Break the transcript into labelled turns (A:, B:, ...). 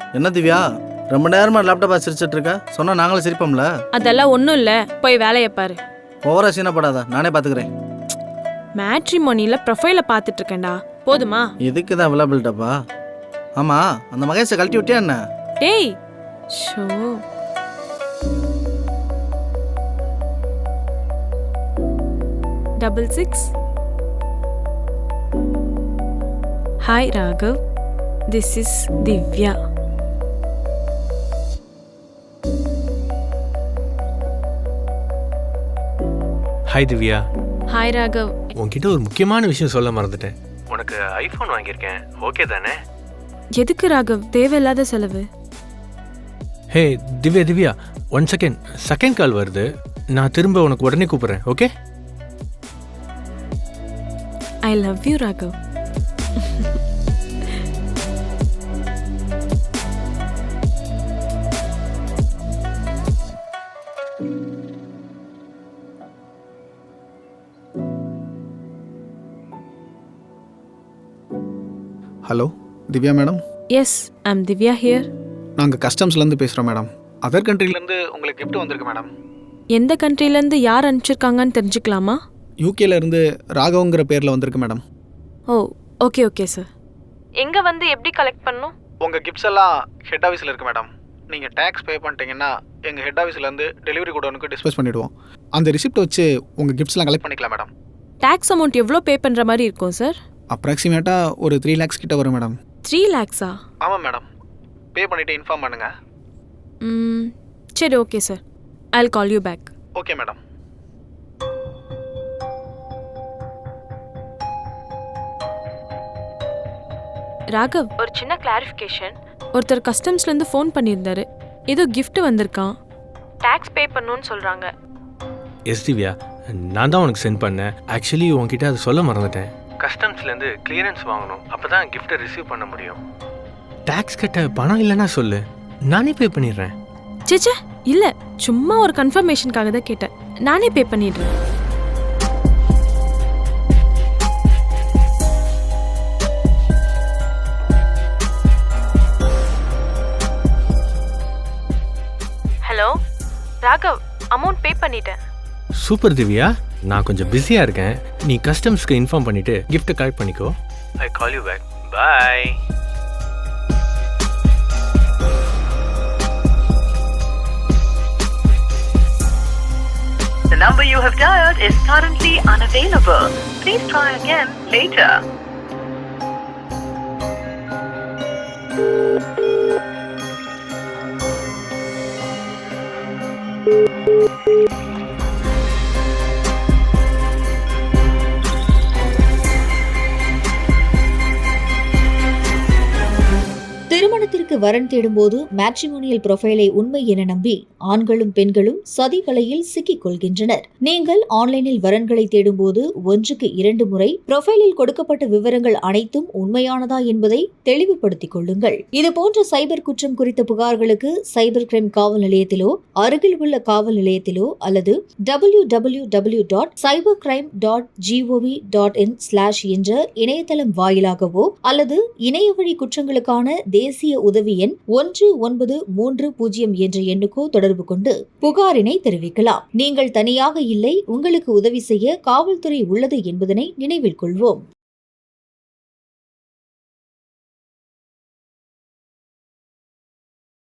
A: என்ன திவ்யா, ரொம்ப நேரமா லேப்டாப் சிரிச்சிட்டு இருக்க? சொன்னா நாங்களும் சிரிப்போம்ல.
B: அதெல்லாம் ஒன்றும் இல்லை, போய் வேலையை பாரு.
A: ஓவரா சீனப்படாத, நானே பாத்துக்கிறேன்.
B: மேட்ரிமோனியில் ப்ரொஃபைலை பார்த்துட்டு இருக்கேன்டா, போதுமா?
A: இதுக்கு தான் அவைலபிள்டாப்பா. ஆமா, அந்த மகேஷை கழட்டி விட்டியா என்ன?
B: டேய் show, double 6. Hi Raghav, this is Divya.
C: Hi Divya.
B: Hi Raghav.
C: உன்கிட்ட ஒரு முக்கியமான விஷயம் சொல்ல மறந்துட்டேன். உனக்கு ஐஃபோன் வாங்கியிருக்கேன், ஓகே தானே?
B: எதுக்கு ராகவ் தேவையில்லாத செலவு?
C: Hey Divya Divya, 1 second, second call வருது. நான் திரும்ப உனக்கு உடனே கூப்பிட்றேன், okay?
B: I love you Raghav.
D: Hello Divya madam.
B: Yes, I'm Divya here.
D: நாங்கள் கஸ்டம்ஸ்லேருந்து பேசுகிறோம் மேடம். அதர் கண்ட்ரிலேருந்து உங்களுக்கு கிஃப்ட் வந்திருக்கு மேடம்.
B: எந்த கண்ட்ரிலேருந்து யார் அனுப்பிச்சிருக்காங்கன்னு தெரிஞ்சுக்கலாமா?
D: யூகேலேருந்து ராகவங்கிற பேரில் வந்திருக்கு மேடம்.
B: ஓ ஓகே ஓகே சார். எங்கே வந்து எப்படி கலெக்ட் பண்ணணும்?
D: உங்கள் கிஃப்ட்ஸ் எல்லாம் ஹெட் ஆஃபீஸில் இருக்குது மேடம். நீங்கள் டேக்ஸ் பே பண்ணிட்டீங்கன்னா எங்கள் ஹெட் ஆஃபீஸ்லேருந்து டெலிவரி கோடனுக்கு டிஸ்பேச் பண்ணிவிடுவோம். அந்த ரிசிப்ட் வச்சு உங்கள் கிஃப்ட்ஸ்லாம் கலெக்ட் பண்ணிக்கலாம் மேடம்.
B: டேக்ஸ் அமௌண்ட் எவ்வளோ பே பண்ணுற மாதிரி இருக்கும் சார்?
D: அப்ராக்சிமேட்டாக ஒரு 3 lakhs கிட்ட வரும் மேடம்.
B: 3 lakhs-ஆ?
D: ஆமாம் மேடம். பே பண்ணிவிட்டு இன்ஃபார்ம் பண்ணுங்கள்.
B: சரி okay sir, I'll call you back.
D: Okay madam.
B: Raghav, ஒரு சின்ன கிளாரிஃபிகேஷன். ஒருத்தர் கஸ்டம்ஸ்லேருந்து ஃபோன் பண்ணியிருந்தாரு, ஏதோ gift வந்திருக்கான், டேக்ஸ் பே பண்ணணும்னு சொல்கிறாங்க.
C: எஸ் திவ்யா, நான் தான் உனக்கு சென்ட் பண்ணேன். ஆக்சுவலி உன்கிட்ட அதை சொல்ல மறந்துட்டேன். கஸ்டம்ஸ்லேருந்து கிளியரன்ஸ் வாங்கணும், அப்போ தான் கிஃப்ட்டை ரிசீவ் பண்ண முடியும். டேக்ஸ் கட்ட பணம் இல்லைன்னா சொல்லு, நானே பே பண்ணிடுறேன்.
B: சேச்சே இல்லை, சும்மா ஒரு கன்ஃபர்மேஷனுக்காக தான் கேட்டேன். நானே பே பண்ணிடுறேன். ஹலோ ராகவ், அமௌண்ட் பே பண்ணிட்டேன்.
C: சூப்பர் திவ்யா, நான் கொஞ்சம் பிஸியாக இருக்கேன். நீ கஸ்டம்ஸ்க்கு இன்ஃபார்ம் பண்ணிவிட்டு கிஃப்ட்டை கலெக்ட் பண்ணிக்கோ. I call you back. Bye.
E: The number you have dialed is currently unavailable. Please try again later.
F: திருமணத்திற்கு வரன் தேடும்போது மேட்ரிமோனியல் ப்ரொஃபைலை உண்மை என நம்பி ஆண்களும் பெண்களும் சதி வலையில் சிக்கிக் கொள்கின்றனர். நீங்கள் ஆன்லைனில் வரன்களை தேடும்போது 1க்கு 2 முறை ப்ரொஃபைலில் கொடுக்கப்பட்ட விவரங்கள் அனைத்தும் உண்மையானதா என்பதை தெளிவுபடுத்திக் கொள்ளுங்கள். இதுபோன்ற சைபர் குற்றம் குறித்த புகார்களுக்கு சைபர் கிரைம் காவல் நிலையத்திலோ அருகில் உள்ள காவல் நிலையத்திலோ அல்லது www.cybercrime.gov.in/ என்ற இணையதளம் வாயிலாகவோ அல்லது இணையவழி குற்றங்களுக்கான தேசிய உதவி எண் 1930 என்ற எண்ணுக்கோ தொடர்பு கொண்டு புகாரினை தெரிவிக்கலாம். நீங்கள் தனியாக இல்லை, உங்களுக்கு உதவி செய்ய காவல்துறை உள்ளது என்பதனை நினைவில் கொள்வோம்.